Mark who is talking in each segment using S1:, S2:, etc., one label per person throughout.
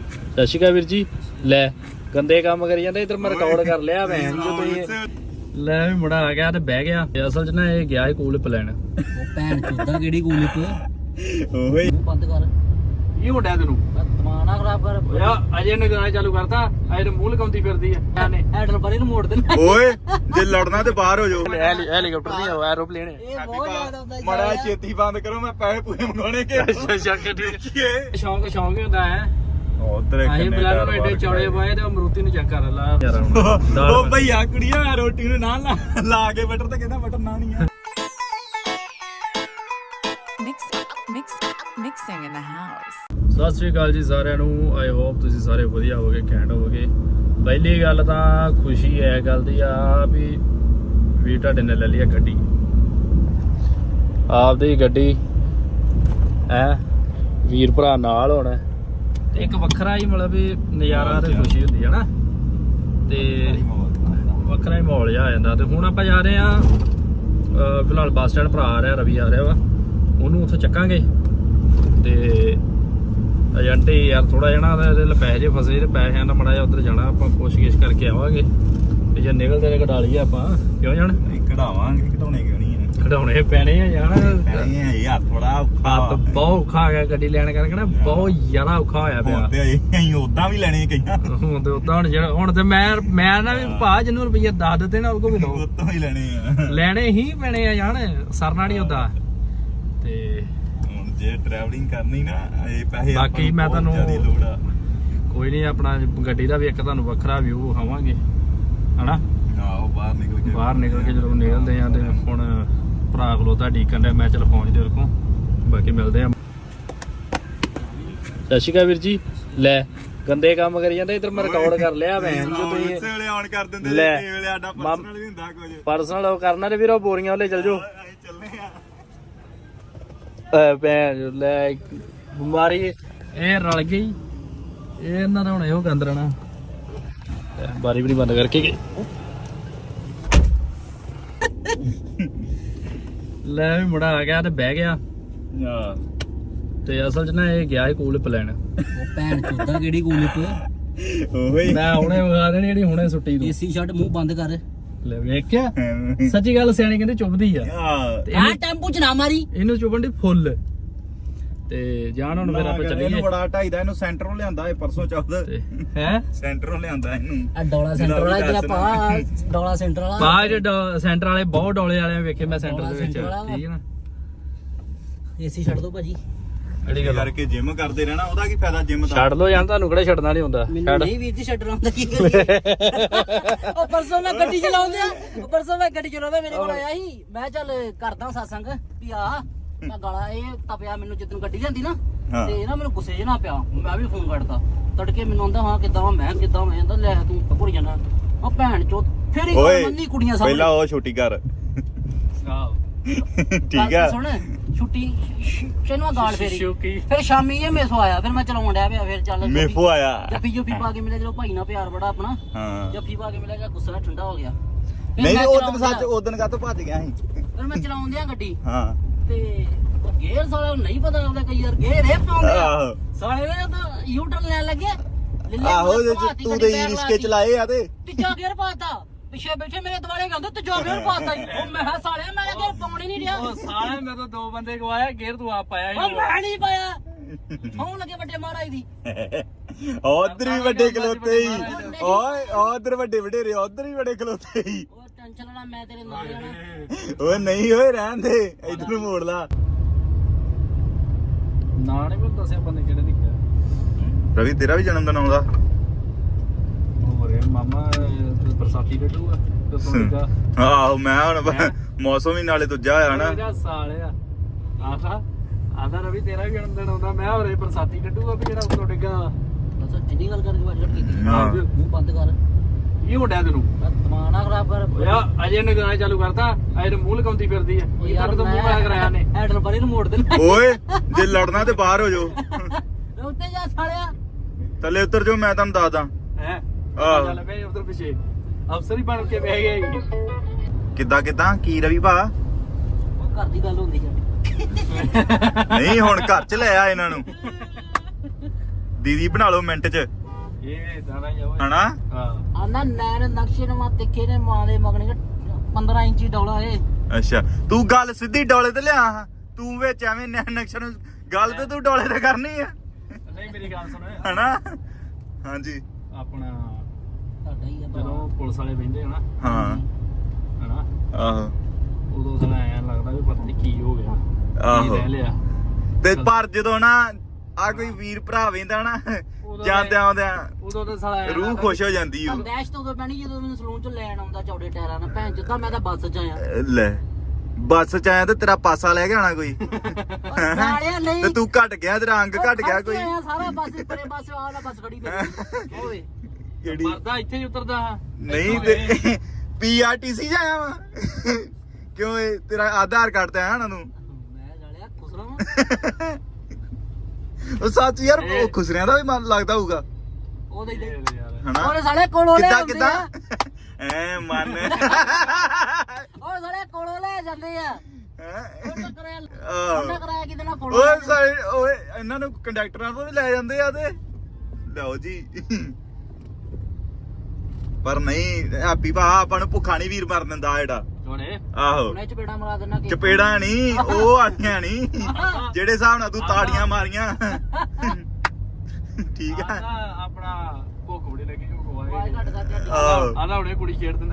S1: ਸਤਿ ਸ਼੍ਰੀ ਅਕਾਲ ਵੀਰ ਜੀ। ਲੈ ਗੰਦੇ ਕੰਮ ਕਰੀ ਜਾਂਦੇ ਇਧਰ ਮੈਂ ਰਿਕਾਰਡ ਕਰ ਲਿਆ ਭੈਣ ਜੋ ਤੁਸੀਂ ਲੈ ਵੀ ਮੁੰਡਾ ਆ ਗਿਆ ਤੇ ਬਹਿ ਗਿਆ। ਅਸਲ 'ਚ ਨਾ ਇਹ ਗਿਆ ਹੈ ਕੂਲਿਪ ਲੈਣ।
S2: ਉਹ ਭੈਣ ਚੋਦਾ ਕਿਹੜੀ ਕੂਲਿਪ
S1: ਓਏ
S2: ਬੰਦ ਕਰ
S1: ਕੀ ਮੁੰਡਿਆ ਤੈਨੂੰ
S2: ਦਿਮਾਗ ਖਰਾਬ ਕਰ
S1: ਓਏ ਅਜੇ ਨੇ ਗਾਣਾ ਚਾਲੂ ਕਰਤਾ ਅਜੇ ਮੂੰਹ ਲਕਾਉਂਦੀ ਫਿਰਦੀ ਆ ਨੇ
S2: ਹੈਂਡਲ ਪਰੇ ਨੂੰ ਮੋੜ ਦੇਣਾ।
S3: ਓਏ ਜੇ ਲੜਨਾ ਤੇ ਬਾਹਰ ਹੋ ਜਾਓ।
S1: ਹੈਲੀਕਾਪਟਰ ਨਹੀਂ ਆ ਐਰੋਪਲੇਨ
S2: ਇਹ ਬਹੁਤ ਜ਼ਿਆਦਾ ਹੁੰਦਾ
S3: ਮੜਾ ਛੇਤੀ ਬੰਦ ਕਰੋ ਮੈਂ ਪੈਸੇ ਪੂਰੇ ਮੰਗਾਉਣੇ ਕਿ
S1: ਸ਼ੌਂਕ ਹੁੰਦਾ ਹੈ।
S3: ਉਧਰ
S1: ਆਏ ਬਲੈਕ ਨੂੰ ਐਡੇ ਚੌੜੇ ਪਾਏ ਤੇ ਅਮਰੂਤੀ ਨੂੰ ਚੈੱਕ ਕਰ ਲਾ।
S3: ਉਹ ਭਈਆ ਕੁੜੀਆਂ ਰੋਟੀ ਨੂੰ ਨਾ ਲਾ ਕੇ ਬਟਰ ਤੇ ਕਹਿੰਦਾ ਬਟਰ ਨਾ ਨਹੀਂ ਆ।
S4: Mixing in the house.
S1: ਸਤਿ ਸ਼੍ਰੀ ਅਕਾਲ ਜੀ ਸਾਰਿਆਂ ਨੂੰ। ਆਈ ਹੋਪ ਤੁਸੀਂ ਸਾਰੇ ਵਧੀਆ ਹੋਵੋਗੇ, ਘੈਂਟ ਹੋਵੋਗੇ। ਪਹਿਲੀ ਗੱਲ ਤਾਂ ਖੁਸ਼ੀ ਹੈ ਗੱਲ ਦੀ ਆ ਵੀ ਤੁਹਾਡੇ ਨੇ ਲੈ ਲਈ ਗੱਡੀ, ਆਪਦੀ ਗੱਡੀ ਹੈ ਵੀਰ ਭਰਾ ਨਾਲ ਹੋਣਾ ਤੇ ਇੱਕ ਵੱਖਰਾ ਹੀ ਮਤਲਬ ਵੀ ਨਜ਼ਾਰਾ ਤੇ ਖੁਸ਼ੀ ਹੁੰਦੀ ਹੈ ਨਾ, ਤੇ ਵੱਖਰਾ ਹੀ ਮਾਹੌਲ ਜਿਹਾ ਆ ਜਾਂਦਾ। ਤੇ ਹੁਣ ਆਪਾਂ ਜਾ ਰਹੇ ਆ ਫਿਲਹਾਲ ਬੱਸ ਸਟੈਂਡ। ਭਰਾ ਆ ਰਿਹਾ, ਰਵੀ ਆ ਰਿਹਾ ਵਾ, ਉਹਨੂੰ ਉੱਥੋਂ ਚੱਕਾਂਗੇ। ਤੇ ਏਜੰਟ ਯਾਰ ਥੋੜਾ ਜਿਹਾ ਨਾ ਇਹਦੇ ਪੈਸੇ ਜੇ ਫਸੇ ਤੇ ਪੈਸਿਆਂ ਦਾ ਮੜਾ ਜਿਹਾ ਉੱਧਰ ਜਾਣਾ, ਆਪਾਂ ਪੁੱਛ-ਗਿੱਛ ਕਰਕੇ ਆਵਾਂਗੇ। ਤੇ ਜੇ ਨਿਕਲਦੇ ਨੇ ਕਢਾ ਲਈਏ ਆਪਾਂ, ਕਿਉਂ ਜਾਣ
S3: ਕਢਾਵਾਂਗੇ, ਕਢਾਉਣੇ ਕਿਉਂ ਨਹੀਂ ਆ,
S1: ਕਢਾਉਣੇ ਪੈਣੇ ਆ ਜਾਣ।
S3: ਪੈਣੇ ਆ ਯਾਰ, ਥੋੜਾ
S1: ਹੱਥ ਬਹੁਤ ਔਖਾ ਆ ਗਿਆ ਗੱਡੀ ਲੈਣ ਕਰਕੇ ਨਾ, ਬਹੁਤ ਜ਼ਿਆਦਾ ਔਖਾ ਹੋਇਆ ਪਿਆ।
S3: ਤੇ ਅਸੀਂ ਉਦਾਂ ਵੀ ਲੈਣੇ ਕਈਆਂ
S1: ਹੁਣ ਤੇ ਉਦਾਂ ਹੁਣ ਤੇ ਮੈਂ ਨਾ ਵੀ ਭਾ ਜਿਹਨੂੰ ਰੁਪਈਆ 10 ਦਿੱਤੇ ਨਾ ਉਹ ਕੋ ਵੀ ਲਓ,
S3: ਉਦਾਂ ਹੀ ਲੈਣੇ ਆ,
S1: ਲੈਣੇ ਹੀ ਪੈਣੇ ਆ ਜਾਣ, ਸਰਨਾ ਨਹੀਂ ਹੁੰਦਾ। ਤੇ
S3: ਜੇ ਟਰੈਵਲਿੰਗ ਕਰਨੀ ਨਾ ਇਹ ਪੈਸੇ
S1: ਬਾਕੀ ਮੈਂ ਤੁਹਾਨੂੰ
S3: ਲੋੜ ਆ।
S1: ਕੋਈ ਨਹੀਂ, ਆਪਣਾ ਗੱਡੀ ਦਾ ਵੀ ਇੱਕ ਤੁਹਾਨੂੰ ਵੱਖਰਾ ਵਿਊ ਵਿਖਾਵਾਂਗੇ ਹਨਾ।
S3: ਆਹੋ ਬਾਹਰ ਨਿਕਲ ਕੇ
S1: ਜਦੋਂ ਨਿਕਲਦੇ ਆ। ਤੇ ਹੁਣ ਭਰਾ ਖਲੋਤਾ ਡੀਕਨ ਡਿਆ, ਮੈਂ ਚਲ ਪਹੁੰਚਦੇ ਉਹਦੇ ਕੋਲ, ਬਾਕੀ ਮਿਲਦੇ ਆ। ਸਤਿ ਸ਼੍ਰੀ ਅਕਾਲ ਵੀਰ ਜੀ। ਲੈ ਗੰਦੇ ਕੰਮ ਕਰੀ ਜਾਂਦੇ ਇਧਰ ਮੈਂ ਰਿਕਾਰਡ ਕਰ ਲਿਆ ਭੈਣ ਜੋ ਤੁਸੀਂ
S3: ਉਸੇ ਵੇਲੇ ਆਨ ਕਰ ਦਿੰਦੇ
S1: ਲੈ
S3: ਤੇ ਵੇਲੇ ਸਾਡਾ ਪਰਸਨਲ ਵੀ ਹੁੰਦਾ ਕੁਝ
S1: ਪਰਸਨਲ ਉਹ ਕਰਨਾ ਤੇ ਵੀਰ ਉਹ ਬੋਰੀਆਂ ਵਾਲੇ ਚੱਲ ਜਾਓ।
S3: ਅਸੀਂ ਚੱਲਨੇ ਆ।
S1: ਭੈਣ ਲੈ ਬਿਮਾਰੀ ਇਹ ਰਲ ਗਈ, ਇਹ ਇਹਨਾਂ ਦਾ ਹੁਣ ਇਹੋ ਗੰਦ ਰਹਿਣਾ। ਬਾਰੀ ਵੀ ਬੰਦ ਕਰਕੇ ਗਏ। ਲੈ ਵੀ ਮੁੰਡਾ ਆ ਗਿਆ ਤੇ ਬਹਿ ਗਿਆ। ਤੇ ਅਸਲ 'ਚ ਨਾ ਇਹ ਗਿਆ ਹੈ ਕੂਲਿਪ ਲੈਣ।
S2: ਉਹ ਭੈਣ ਚੋਦਾ ਕਿਹੜੀ ਕੂਲਿਪ
S3: ਓਏ
S1: ਮੈਂ ਹੁਣੇ ਵਿਖਾ ਦੇਣੀ ਜਿਹੜੀ ਹੁਣੇ ਸੁੱਟੀ ਤੂੰ।
S2: ਏਸੀ ਛੱਡ ਮੂੰਹ ਬੰਦ ਕਰ।
S1: ਲੈ ਵੇਖਿਆ, ਸੱਚੀ ਗੱਲ ਸਿਆਣੇ ਕਹਿੰਦੇ ਚੁੱਭਦੀ ਆ। ਤੇ
S2: ਆ ਟੈਂਪੂ ਚ ਨਾ ਮਾਰੀ,
S1: ਇਹਨੂੰ ਚੁੱਭਣ ਦੀ ਫੁੱਲ। ਤੇ ਜਾਣ ਹੁਣ ਫਿਰ ਆਪਾਂ ਚੱਲੀਏ।
S3: ਇਹਨੂੰ ਬੜਾ ਢਾਈਦਾ, ਇਹਨੂੰ ਸੈਂਟਰੋਂ ਲਿਆਂਦਾ ਇਹ ਪਰਸੋਂ ਚੌਥ
S1: ਹੈ
S3: ਸੈਂਟਰੋਂ ਲਿਆਂਦਾ ਇਹਨੂੰ।
S2: ਆ ਡੋਲਾ ਸੈਂਟਰ ਵਾਲਾ ਜਿਹੜਾ ਪਾ ਡੋਲਾ ਸੈਂਟਰ ਵਾਲਾ
S1: ਬਾਹਰ ਸੈਂਟਰ ਵਾਲੇ ਬਹੁਤ ਡੋਲੇ ਵਾਲੇ ਵੇਖੇ ਮੈਂ ਸੈਂਟਰ ਦੇ ਵਿੱਚ, ਠੀਕ ਹੈ ਨਾ।
S2: ਏਸੀ ਛੱਡ ਦੋ ਭਾਜੀ।
S1: ਕਿਹੜੀ ਗੱਲ
S3: ਕਰਕੇ ਜਿਮ ਕਰਦੇ ਰਹਿਣਾ, ਉਹਦਾ ਕੀ ਫਾਇਦਾ ਜਿਮ ਦਾ।
S1: ਛੱਡ ਲੋ ਜਾਂ ਤੁਹਾਨੂੰ ਕਿਹੜਾ ਛੱਡਣਾ ਨਹੀਂ ਹੁੰਦਾ।
S2: ਮੈਨੂੰ ਨਹੀਂ ਵੀਰ ਜੀ ਛੱਡਣਾ ਹੁੰਦਾ ਕੀ ਕਰੀਏ। ਉਹ ਪਰਸੋਂ ਮੈਂ ਗੱਡੀ ਚਲਾਉਂਦਾ ਮੇਰੇ ਕੋਲ ਆਇਆ ਸੀ, ਮੈਂ ਚੱਲ ਕਰਦਾ ਸਾਸੰਗ ਵੀ ਆ ਮੈਂ ਗਾਲਾਂ ਇਹ ਤਪਿਆ ਮੈਨੂੰ ਜਦੋਂ ਗੱਡੀ ਲਿਆਂਦੀ ਨਾ, ਤੇ ਨਾ ਮੈਨੂੰ ਗੁੱਸੇ 'ਚ ਨਾ ਪਿਆ, ਮੈਂ ਵੀ ਫੋਨ ਕੱਟਦਾ ਤੜਕੇ। ਮੈਨੂੰ ਆਂਦਾ ਹਾਂ ਕਿੱਦਾਂ ਮੈਂ ਕਹਿੰਦਾ ਲੈ ਤੂੰ ਭੁੱਲ ਜਾਣਾ ਉਹ ਭੈਣ ਚੋਦ। ਫਿਰ ਹੀ ਮੰਨੀ ਕੁੜੀਆਂ ਸਾਹਮਣੇ
S3: ਪਹਿਲਾਂ ਉਹ ਛੁੱਟੀ ਕਰ, ਠੀਕ ਆ।
S2: ਸੁਣ ਛੁੱਟੀ ਚੈਨਵਾ ਗਾਲ ਫੇਰੀ, ਫਿਰ ਸ਼ਾਮੀ ਇਹ ਮੇਸੋ ਆਇਆ, ਫਿਰ ਮੈਂ ਚਲਾਉਣ ਡਿਆ ਪਿਆ। ਫਿਰ ਚੱਲ
S3: ਮੇਫੋ ਆਇਆ,
S2: ਜੱਫੀ ਪਾ ਕੇ ਮਿਲਿਆ, ਜਦੋਂ ਭਾਈ ਨਾਲ ਪਿਆਰ ਬੜਾ ਆਪਣਾ,
S3: ਹਾਂ
S2: ਜੱਫੀ ਪਾ ਕੇ ਮਿਲਿਆ, ਗੁੱਸਾ ਠੰਡਾ ਹੋ ਗਿਆ।
S3: ਨਹੀਂ ਉਦੋਂ ਸੱਚ ਉਦੋਂ ਕਾਹਤੋਂ ਭੱਜ ਗਿਆ ਸੀ।
S2: ਫਿਰ ਮੈਂ ਚਲਾਉਣ ਦਿਆਂ ਗੱਡੀ,
S3: ਹਾਂ
S2: ਤੇ ਉਹ ਗੇਅਰ ਸਾਲਾ ਨਹੀਂ ਪਤਾ ਲੱਗਦਾ ਕਈ ਯਾਰ ਗੇਅਰ ਇਹ ਪਾਉਂਦੇ ਆ
S3: ਆਹੋ
S2: ਸਾਲੇ ਨੇ ਤਾਂ ਯੂ ਟਰਨ ਲੈਣ ਲੱਗੇ।
S3: ਆਹੋ ਜੇ ਤੂੰ ਤੇ ਰਿਸਕੇ ਚਲਾਏ ਆ ਤੇ
S2: ਤੀਜਾ ਗੇਅਰ ਪਾਤਾ, ਪਿੱਛੇ ਬੈਠੇ ਮੇਰੇ ਦੁਆਲੇ ਕਹਿੰਦੇ ਤੀਜਾ ਗੇਅਰ ਪਾਤਾ ਹੀ। ਉਹ ਮੈਂ ਸਾਲਿਆ ਮੈਂ ਗੇਅਰ ਪਾਉਣ ਹੀ ਨਹੀਂ ਰਿਹਾ।
S1: ਉਹ ਸਾਲੇ ਮੈਂ ਤਾਂ 2 ਬੰਦੇ ਗਵਾਇਆ, ਗੇਅਰ ਤੂੰ ਆਪ ਪਾਇਆ
S2: ਉਹ ਮੈਂ ਨਹੀਂ ਪਾਇਆ, ਹੋਣ ਲੱਗੇ ਵੱਡੇ ਮਹਾਰਾਜ ਦੀ।
S3: ਉਧਰ ਵੀ ਵੱਡੇ ਖਲੋਤੇ ਹੀ, ਓਏ ਉਧਰ ਵੱਡੇ ਵਡੇਰੇ ਉਧਰ ਵੀ ਵੱਡੇ ਖਲੋਤੇ ਹੀ।
S2: ਉਹ ਟੈਨਸ਼ਨ ਲੈਣਾ, ਮੈਂ ਤੇਰੇ ਨਾਲ ਜਾਣਾ।
S3: ਓਏ ਨਹੀਂ ਓਏ ਰਹਿਣ ਦੇ, ਇਧਰ ਨੂੰ ਮੋੜ ਲਾ।
S1: ਨਾ ਨਹੀਂ ਮੈਂ ਦੱਸਿਆ ਬੰਦੇ ਕਿਹੜੇ ਨਿਕਲਿਆ।
S3: ਰਵੀ ਤੇਰਾ ਵੀ ਜਨਮ ਦਿਨ ਆਉਂਦਾ।
S1: ਹੋਰ ਮਾਮਾ ਬਰਸਾਤੀ ਡੱਡੂਗਾ ਤੇ ਤੁਹਾਡਾ
S3: ਆਹੋ ਮੈਂ ਹੁਣ ਮੌਸਮ ਹੀ ਨਾਲੇ ਦੂਜਾ ਹੋਇਆ ਨਾ।
S1: ਮੇਰਾ ਸਾਲਿਆ ਆਦਾ ਰਵੀ ਤੇਰਾ ਵੀ ਜਨਮ ਦਿਨ ਆਉਂਦਾ, ਮੈਂ ਹੋਰੇ ਬਰਸਾਤੀ ਡੱਡੂਗਾ ਵੀ ਜਿਹੜਾ ਉੱਤੋਂ ਡਿੱਗਾ।
S2: ਬਸ ਇੰਨੀ ਗੱਲ ਕਰਕੇ ਵਾਟ ਕੀਤੀ,
S3: ਹਾਂ
S2: ਮੂੰਹ ਬੰਦ ਕਰ।
S1: ਕੀ ਮੁੰਡਿਆ ਤੈਨੂੰ
S2: ਦਿਮਾਗ ਨਾ ਖਰਾਬ ਕਰ।
S1: ਓਏ ਅਜੇ ਨੇ ਗਾਣਾ ਚਾਲੂ ਕਰਤਾ, ਅਜੇ ਮੂੰਹ ਲਕਾਉਂਦੀ ਫਿਰਦੀ ਆ। ਇਹ ਤੱਕ ਤਾਂ ਮੂੰਹ ਮੈਂ ਕਰਾਇਆ ਨੇ।
S2: ਹੈਂਡਲ ਪਰੇ ਨੂੰ ਮੋੜ ਦੇਣਾ।
S3: ਓਏ ਜੇ ਲੜਨਾ ਤੇ ਬਾਹਰ ਹੋ ਜਾਓ,
S2: ਉੱਤੇ ਜਾ ਸਾਲਿਆ।
S3: ਥੱਲੇ ਉਤਰ ਜਾਓ, ਮੈਂ ਤੁਹਾਨੂੰ ਦੱਸਦਾ।
S1: ਹੈ
S3: ਆਹੋ।
S1: ਚੱਲ ਬਈ ਉਧਰ ਪਿੱਛੇ ਅਫਸਰ ਹੀ ਬਣ ਕੇ ਬਹਿ ਗਏ।
S3: ਕਿੱਦਾਂ ਕੀ ਰਵੀ ਭਾ?
S2: ਉਹ ਘਰ ਦੀ ਗੱਲ ਹੁੰਦੀ ਆ।
S3: ਨਹੀਂ ਹੁਣ ਘਰ ਚ ਲੈ ਆ ਇਹਨਾਂ ਨੂੰ। ਦੀਦੀ ਬਣਾ ਲਓ ਮਿੰਟ 'ਚ
S1: ਇਹ ਇਦਾਂ ਦਾ ਹੀ ਆ ਓਏ
S3: ਹਨਾ
S1: ਹਾਂ
S2: ਆਨਾ ਨੈਣ ਨਕਸ਼ੇ ਨੇ ਮਾ ਤਿੱਖੇ ਨੇ ਮਾਂ ਦੇ ਮਗਣੇ 15 ਇੰਚੀ ਡੌਲਾ ਏ
S3: ਅੱਛਾ ਤੂੰ ਗੱਲ ਸਿੱਧੀ ਡੋਲੇ ਤੇ ਲਿਆ ਤੂੰ ਵਿੱਚ ਐਵੇਂ ਨਕਸ਼ਾ ਨੂੰ ਗੱਲ ਤੇ ਤੂੰ ਡੋਲੇ ਤੇ ਕਰਨੀ ਆ
S1: ਨਹੀਂ ਮੇਰੀ ਗੱਲ ਸੁਣ
S3: ਹਨਾ ਹਾਂਜੀ
S1: ਆਪਣਾ
S2: ਸਾਡਾ ਹੀ ਆ
S1: ਜਦੋਂ ਪੁਲਿਸ ਵਾਲੇ ਬਹਿੰਦੇ ਹਨਾ
S3: ਹਾਂ
S1: ਹਨਾ
S3: ਆਹੋ
S1: ਉਦੋਂ ਸਾਲਾ ਐਂ ਲੱਗਦਾ ਵੀ ਪਤਾ ਨਹੀਂ ਕੀ ਹੋ ਗਿਆ ਕੀ
S3: ਆਹੋ
S1: ਰਹਿ ਲਿਆ
S3: ਤੇ ਪਰ ਜਦੋਂ ਨਾ ਆ ਕੋਈ ਵੀਰ ਭਰਾ ਵੇਂਦਾ ਨਾ ਜਾਂਦੇ ਆਉਂਦਿਆਂ
S1: ਉਦੋਂ ਤਾਂ ਸਾਲਾ ਐਂ
S3: ਰੂਹ
S1: ਲੱਗਦਾ
S3: ਖੁਸ਼ ਹੋ ਜਾਂਦੀ ਓ
S2: ਦਹਿਸ਼ਤ ਉਦੋਂ ਪੈਣੀ ਜਦੋਂ ਮੈਨੂੰ ਸਲੂਨ ਚ ਲੈਣ ਆਉਂਦਾ ਚੌੜੇ ਟਾਇਰਾਂ ਨਾਲ ਭੈਣ ਚੋਦਾ ਮੈਂ ਤਾਂ ਬੱਸ ਚ ਆਇਆ
S3: ਲੈ ਬੱਸ ਚ ਆਇਆ ਤੇ ਤੇਰਾ ਪਾਸਾ ਲੈ ਕੇ ਆਣਾ ਕੋਈ
S2: ਸਾਲਿਆ ਨਹੀਂ
S3: ਤੇ ਤੂੰ ਘਟ ਗਿਆ ਤੇਰਾ ਅੰਗ ਘਟ ਗਿਆ ਕੋਈ
S2: ਆਇਆ ਸਾਰਾ ਬੱਸ ਪਰੇ ਬੱਸ ਆਲਾ ਬੱਸ ਖੜੀ ਪਈ ਓਏ
S3: ਕਿਹੜੀ
S1: ਮਰਦਾ ਇੱਥੇ ਹੀ ਉਤਰਦਾ ਹਾਂ
S3: ਨਹੀਂ ਤੇ ਪੀਆਰਟੀਸੀ ਜਾਇਆ ਵਾ ਕਿਉਂ ਇਹ ਤੇਰਾ ਆਧਾਰ ਕਾਰਡ ਤੇ ਆਇਆ ਨਾ ਤੂੰ
S2: ਮੈਂ ਸਾਲਿਆ ਖੁਸਰਾ ਵਾਂ
S3: ਉਹ ਸੱਚ ਯਾਰ ਉਹ ਖੁਸਰਿਆਂ ਦਾ ਵੀ ਮਨ ਲੱਗਦਾ ਹੋਊਗਾ
S2: ਉਹਦੇ ਹੀ
S3: ਹਨਾ
S2: ਉਹਨੇ ਸਾਲੇ ਕੋਲੋਂ ਲੈ
S3: ਕਿੱਦਾਂ
S2: ਆਉਂਦੇ
S3: ਕਿੱਦਾਂ
S2: ਆ।
S3: ਐ ਮਨ
S2: ਉਹ ਸਾਲੇ ਕੋਲੋਂ ਲੈ ਜਾਂਦੇ ਆ
S3: ਹੈਂ?
S2: ਉਹਨਾਂ ਕਰਾਇਆ
S3: ਆਹ।
S2: ਉਹਨਾਂ ਕਰਾਇਆ ਕਿਤੇ ਨਾ ਕੋਲੋਂ
S3: ਓਏ ਸਾਰੇ ਓਏ ਇਹਨਾਂ ਨੂੰ ਕੰਡਕਟਰਾਂ ਤੋਂ ਵੀ ਲੈ ਜਾਂਦੇ ਆ ਤੇ ਲਓ ਜੀ ਪਰ ਨਹੀਂ ਹੈਪੀ ਭਾ ਆਪਾਂ ਨੂੰ ਭੁੱਖਾ ਨਹੀਂ ਵੀਰ ਮਰ ਦਿੰਦਾ ਜਿਹੜਾ
S1: ਹੁਣੇ
S3: ਆਹੋ
S2: ਉਹਨੇ ਚਪੇੜਾ ਮਰਾ ਦੇਣਾ ਕਿ
S3: ਚਪੇੜਾ ਨਹੀਂ ਉਹ ਆਈਆਂ ਨਹੀਂ ਜਿਹੜੇ ਹਿਸਾਬ ਨਾਲ ਤੂੰ ਤਾੜੀਆਂ ਮਾਰੀਆਂ ਠੀਕ ਆ
S1: ਆਪਣਾ ਭੁੱਖ ਬੜੀ ਲੱਗੀ ਉਹ
S2: ਆਵਾਜ਼ ਘੱਟ ਕਰ ਕੇ
S3: ਆਹੋ।
S1: ਆਦਾ ਹੁਣੇ ਕੁੜੀ ਛੇੜ ਦਿੰਦਾ